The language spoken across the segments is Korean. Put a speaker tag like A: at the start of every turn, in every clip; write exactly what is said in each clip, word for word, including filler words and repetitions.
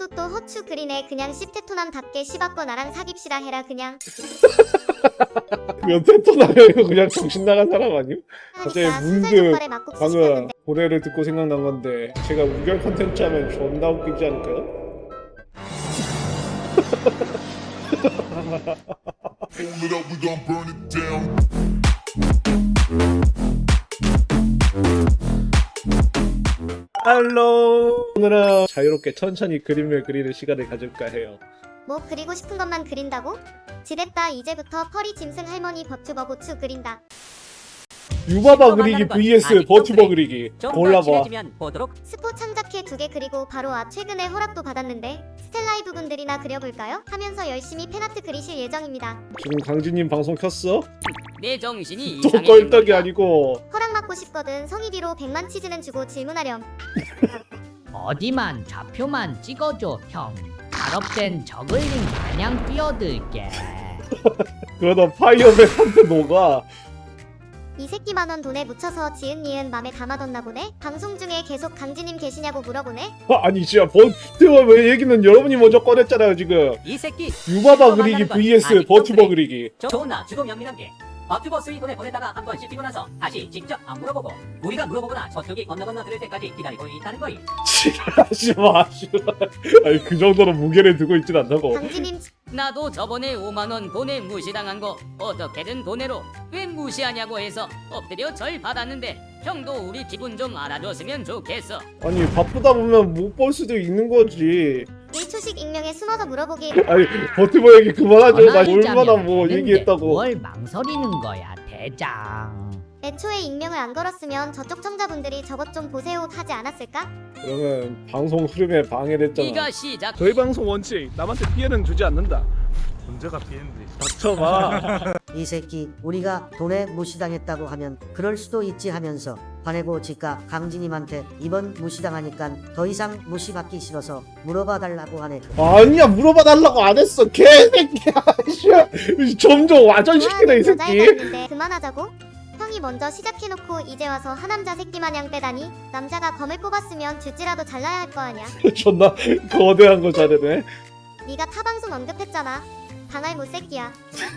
A: 그리고 또 허추 그리네. 그냥 씹테토남답게 씹었고 나랑 사깁시다 해라 그냥.
B: 몇 테토나요? 그냥 정신 나간 사람 아님? 갑자기
A: 하니까
B: 문득
A: 순살족발에 막국수
B: 방금
A: 시켰는데
B: 고래를 듣고 생각난 건데 제가 우결 컨텐츠 하면 존나 웃기지 않을까요?
C: Hold it up, we gon' burn it down.
B: 할로 오늘은 자유롭게 천천히 그림을 그리는 시간을 가질까 해요.
A: 뭐 그리고 싶은 것만 그린다고? 지됐다. 이제부터 펄이 짐승 할머니 버튜버 고추 그린다.
B: 유바바 그리기 vs 버튜버 그리기 골라봐.
D: 보도록.
A: 스포 창작해 두 개 그리고 바로 아 최근에 허락도 받았는데 스텔라이 부분들이나 그려볼까요? 하면서 열심히 팬아트 그리실 예정입니다.
B: 지금 강진님 방송 켰어?
D: 내 정신이
B: 또
D: 이상해.
B: 껄떡이 아니고
A: 허락 받고 싶거든. 성의비로 백만 치즈는 주고 질문하렴.
E: 어디만 좌표만 찍어줘 형. 발업된 저글링 마냥 뛰어들게.
B: 그러다 파이어맨한테 녹아.
A: 이 새끼 만원 돈에 묻혀서 지은 니은 맘에 담아뒀나 보네? 방송 중에 계속 강진님 계시냐고 물어보네?
B: 아, 아니 진짜 버튜버 왜 얘기는 여러분이 먼저 꺼냈잖아요 지금.
D: 이 새끼
B: 유바바 그리기 vs 버튜버 그리기.
D: 좋나 주고 연민한 게 버튜버 스위톤에 보냈다가 한번 씹히고 나서 다시 직접 안 물어보고 우리가 물어보거나 저쪽이 건너 건너 들을 때까지 기다리고 있다는 거임.
B: 하지 마, 씨발. 아니 그 정도로 무게를 두고 있진 않다고.
A: 강진님
D: 나도 저번에 오만 원 돈에 무시당한 거 어떻게든 돈으로 왜 무시하냐고 해서 엎드려 절 받았는데 형도 우리 기분 좀 알아줬으면 좋겠어.
B: 아니 바쁘다 보면 못 볼 수도 있는 거지.
A: 일 초씩 익명에 숨어서 물어보기.
B: 아니 버튜버 얘기 그만하죠. 나
E: 전화하자면
B: 얼마나 뭐
E: 되는데
B: 얘기했다고.
E: 뭘 망설이는 거야 대장.
A: 애초에 익명을 안 걸었으면 저쪽 청자분들이 저것 좀 보세요 하지 않았을까?
B: 그러면 방송 흐름에 방해됐잖아.
D: 네가 시작.
F: 저희 방송 원칙 남한테 피해는 주지 않는다. 문제가 피해인데.
B: 닥쳐봐.
G: 이 새끼 우리가 돈에 무시당했다고 하면 그럴 수도 있지 하면서 화내고 지가 강진님한테 이번 무시당하니까 더 이상 무시받기 싫어서 물어봐 달라고 하네.
B: 아니야 물어봐 달라고 안 했어 개새끼야. 씨. 점점 와전시키네 이
A: 좋아하는 여자애가
B: 새끼.
A: 있는데 그만하자고? 형이 먼저 시작해놓고 이제 와서 하남자 새끼 마냥 빼다니? 남자가 검을 뽑았으면 쥐지라도 잘라야 할 거 아냐?
B: 존나 거대한 거 잘하네.
A: 네가 타방송 언급했잖아. 당할 못새끼야.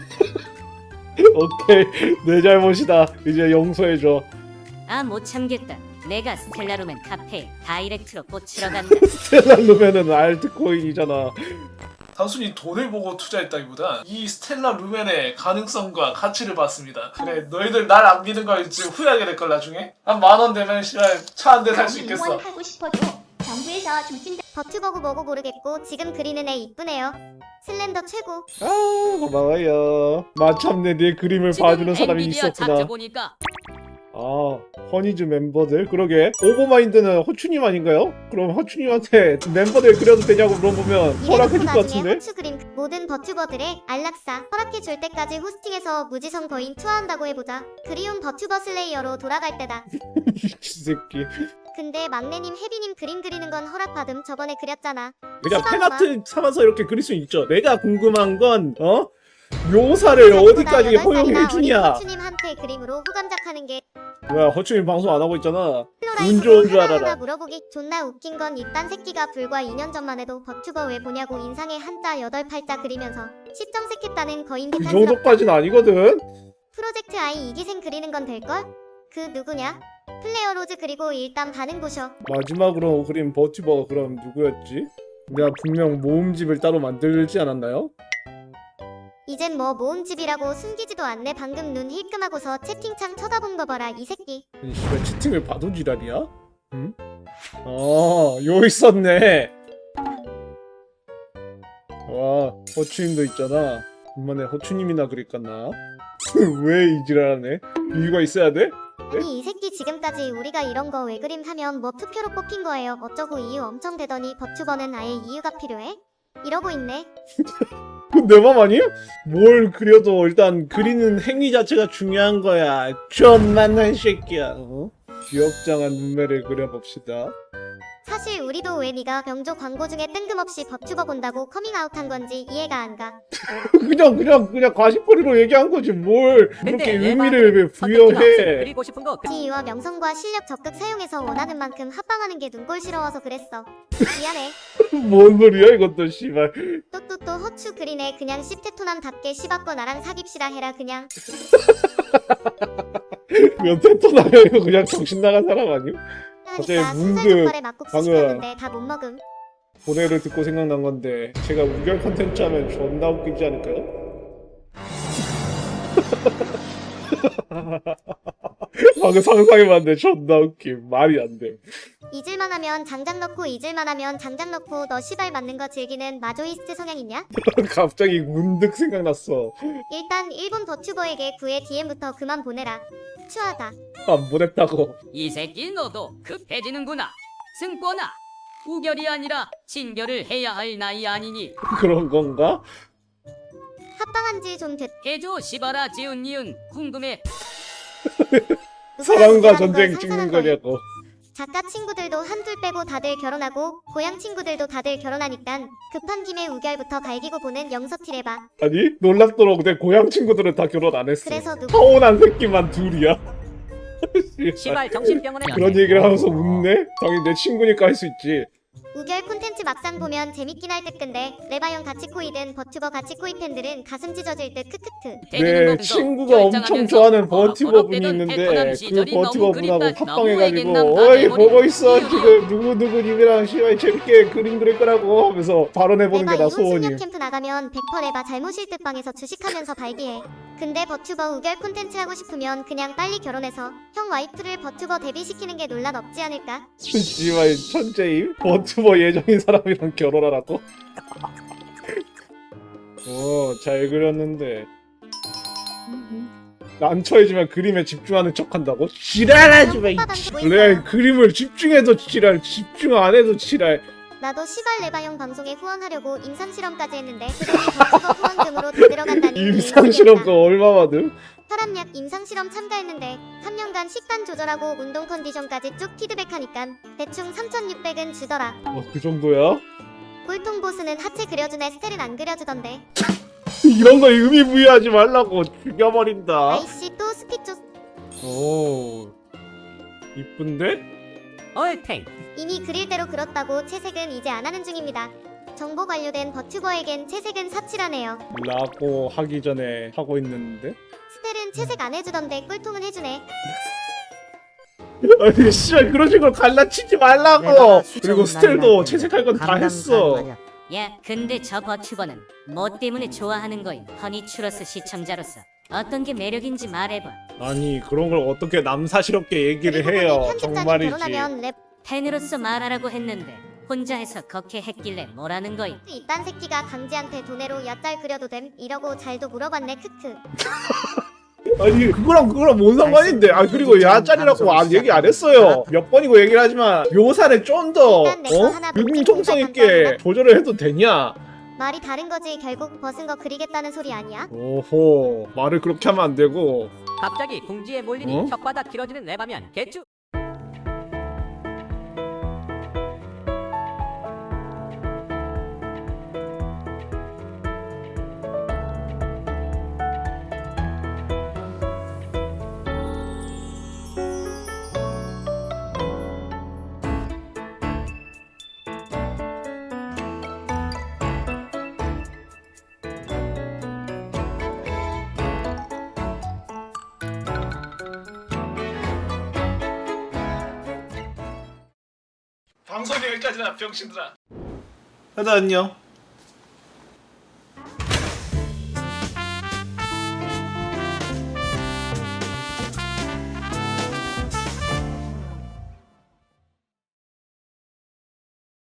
B: 오케이 내 잘못이다. 이제 용서해줘.
H: 아 못 참겠다. 내가 스텔라루멘 카페에 다이렉트로 꽂히러 간다.
B: 스텔라 루멘은 알트코인이잖아.
F: 단순히 돈을 보고 투자했다기보다 이 스텔라 루멘의 가능성과 가치를 봤습니다. 그래 너희들 날 안 믿는 거 이제 후회하게 될 걸 나중에. 한 만 원 되면 씨발 차 한 대 살 수 있겠어.
I: 응원하고 싶어도 정부에서 조진다.
A: 버튜버고 뭐고 모르겠고 지금 그리는 애 이쁘네요. 슬렌더 최고.
B: 아 고마워요. 마참내 내 그림을 봐주는 사람이
D: 엔비디아 차트
B: 있었구나.
D: 보니까
B: 아 허니즈 멤버들 그러게. 오버마인드는 허추님 아닌가요? 그럼 허추님한테 멤버들 그려도 되냐고 물어보면
A: 이래놓고
B: 허락해줄 것
A: 나중에
B: 같은데?
A: 호추 그림 모든 버튜버들의 안락사 허락해줄 때까지 호스팅해서 무지성 거인 투하한다고 해보자. 그리운 버튜버 슬레이어로 돌아갈 때다.
B: 이 새끼.
A: 근데 막내님 혜비님 그림 그리는 건 허락받음. 저번에 그렸잖아.
B: 그냥
A: 시바구마.
B: 팬아트 삼아서 이렇게 그릴 수 있죠. 내가 궁금한 건 어? 묘사를 어디까지 허용해 주냐.
A: 허추님한테 그림으로 후감작하는 게
B: 뭐야 허추님 방송 안 하고 있잖아. 운
A: 플로라이프로
B: 좋은 줄
A: 하나하나
B: 알아라.
A: 물어보기. 존나 웃긴 건 이딴 새끼가 불과 이 년 전만 해도 버튜버 왜 보냐고 인상에 한자 여덟 팔자 그리면서 시점색했다는 거인
B: 그
A: 개탄스럽다.
B: 정도까지는 아니거든.
A: 프로젝트 아이 이기생 그리는 건 될걸? 그 누구냐? 플레이어 로즈. 그리고 일단 반응 보셔.
B: 마지막으로 그린 버튜버가 그럼 누구였지? 내가 분명 모음집을 따로 만들지 않았나요?
A: 이젠 뭐 모음집이라고 숨기지도 않네. 방금 눈 힐끔하고서 채팅창 쳐다본 거 봐라 이 새끼.
B: 이 씨발 채팅을 봐도 지랄이야? 응? 어, 요 있었네. 와, 허추님도 있잖아. 엄마네 허추님이나 그릴까나? 왜 이 지랄하네? 이유가 있어야 돼?
A: 아니 이 새끼 지금까지 우리가 이런 거 왜 그림 하면 뭐 투표로 뽑힌 거예요 어쩌고 이유 엄청 대더니 버튜버는 아예 이유가 필요해? 이러고 있네.
B: 내 맘 아니야? 뭘 그려도 일단 그리는 행위 자체가 중요한 거야. 존만한 새끼야. 어? 귀엽장한 눈매를 그려봅시다.
A: 사실 우리도 왜 네가 병조 광고 중에 뜬금없이 버튜버 본다고 커밍아웃한 건지 이해가 안 가.
B: 그냥 그냥 그냥 가시거리로 얘기한 거지 뭘 그렇게 의미를 왜 부여해.
E: 그리고 싶은 거
A: 지위와 명성과 실력 적극 사용해서 원하는 만큼 합방하는 게 눈꼴시러워서 그랬어. 미안해.
B: 뭔 소리야 이것도 씨발.
A: 또또또 허추 그리네. 그냥 씹테토남답게 씹었고 나랑 사깁시다 해라 그냥.
B: 그건 테토나면 이거 그냥 정신 나간 사람 아니야? 갑자기
A: 하니까
B: 문득
A: 순살족발에 막국수
B: 방금-
A: 시켰는데 다 못 먹음.
B: 고뇌를 듣고 생각난 건데 제가 우결 컨텐츠 하면 존나 웃기지 않을까요? 방금 상상해봤는데 존나 웃김. 말이 안 돼.
A: 잊을만 하면 장작 넣고 잊을만 하면 장작 넣고 너 시발 맞는 거 즐기는 마조이스트 성향 있냐?
B: 갑자기 문득 생각났어.
A: 일단 일본 버튜버에게 구의 디엠부터 그만 보내라. 추하다.
B: 안 보냈다고.
D: 이 새끼 너도 급해지는구나. 승권아, 우결이 아니라 친결을 해야 할 나이 아니니.
B: 그런 건가?
A: 합방한 지 좀 됐.
D: 해줘 시바라 지은 이은 궁금해.
B: 사랑과 전쟁 찍는 거냐고.
A: 작가 친구들도 한둘 빼고 다들 결혼하고 고향 친구들도 다들 결혼하니깐 급한 김에 우결부터 갈기고 보는 영서티레바.
B: 아니 놀랍도록 내 고향 친구들은 다 결혼 안 했어.
A: 그래서 누구
B: 서운한 새끼만 둘이야. 씨발.
E: 시발 정신병원에
B: 그런 얘기를 하면서 웃네? 당연히 내 친구니까 할 수 있지.
A: 우결 콘텐츠 막상 보면 재밌긴 할 듯. 근데 레바형 같이 코이든 버튜버 같이 코이 팬들은 가슴 찢어질 듯. 크크크.
B: 내 친구가 엄청 좋아하는 버티버 분이 있는데 그 버티버 분하고 합방해가지고 어이 보고 있어 지금 누구누구 님이랑 시발 재밌게 그림 그릴 거라고 하면서 발언해보는 게
A: 레바
B: 나
A: 이혼 숙녀
B: 소원임.
A: 캠프 나가면 백 퍼센트 레바 잘못일 듯 방에서 주식하면서 발기해. 근데 버튜버 우결 콘텐츠 하고 싶으면 그냥 빨리 결혼해서 형 와이프를 버튜버 데뷔시키는 게 논란 없지 않을까?
B: 씨발 천재임? 버튜버 예정인 사람이랑 결혼하라고? 어, 잘 그렸는데 난처해지면 그림에 집중하는 척한다고? 지랄하지 마! 이
A: 혓바닥 보고
B: 원래
A: 있어요.
B: 그림을 집중해도 지랄, 집중 안 해도 지랄.
A: 나도 시발 레바형 방송에 후원하려고 임상실험까지 했는데 그돈이 버튜버 후원금으로 다 들어간다니.
B: 임상실험 거 얼마 받음?
A: 혈압약 임상실험 참가했는데 삼 년간 식단 조절하고 운동 컨디션까지 쭉 피드백하니까 대충 삼천육백은 주더라.
B: 어, 그 정도야?
A: 꼴통 보스는 하체 그려준 애 스텔은 안 그려주던데.
B: 이런 거 의미 부여하지 말라고 죽여버린다.
A: 아이씨 또 스피초.
B: 오, 이쁜데?
E: 얼탱
A: 이미 그릴 대로 그렸다고 채색은 이제 안 하는 중입니다. 정보 관료된 버튜버에겐 채색은 사치라네요.
B: 라고 하기 전에 하고 있는데?
A: 스텔은 채색 안 해주던데 꼴통은 해주네.
B: 아니 씨발 그런 식으로 갈라치지 말라고.
G: 내가
B: 그리고
G: 수정은
B: 스텔도
G: 나이한테
B: 채색할 건 다
G: 감당
B: 했어.
G: 가능하냐?
H: 야, 근데 저 버튜버는 뭐 때문에 좋아하는 거임? 허니츄러스 시청자로서 어떤 게 매력인지 말해봐.
B: 아니 그런 걸 어떻게 남사스럽게 얘기를
A: 그리고
B: 해요.
A: 보니 편집자는
B: 정말이지.
A: 결혼하면 랩
H: 팬으로서 말하라고 했는데 혼자 해서 그렇게 했길래 뭐라는 거임?
A: 이딴 새끼가 강지한테 돈으로 엿잘 그려도 됨? 이러고 잘도 물어봤네. 크크.
B: 아니 그거랑 그거랑 뭔 상관인데. 아 그리고 야짤이라고 안 얘기 안 했어요. 몇 번이고 얘기를 하지만 묘사를 좀 더
A: 일단 내거
B: 어?
A: 하나
B: 융통성
A: 문제
B: 있게
A: 감사합니다.
B: 조절을 해도 되냐?
A: 말이 다른 거지. 결국 벗은 거 그리겠다는 소리 아니야?
B: 오호 말을 그렇게 하면 안 되고.
E: 갑자기 궁지에 몰리니
B: 어?
E: 혓바닥 길어지는 레바면 개쭈.
F: 방송이 여기까지나 병신들아.
B: 하자 안녕.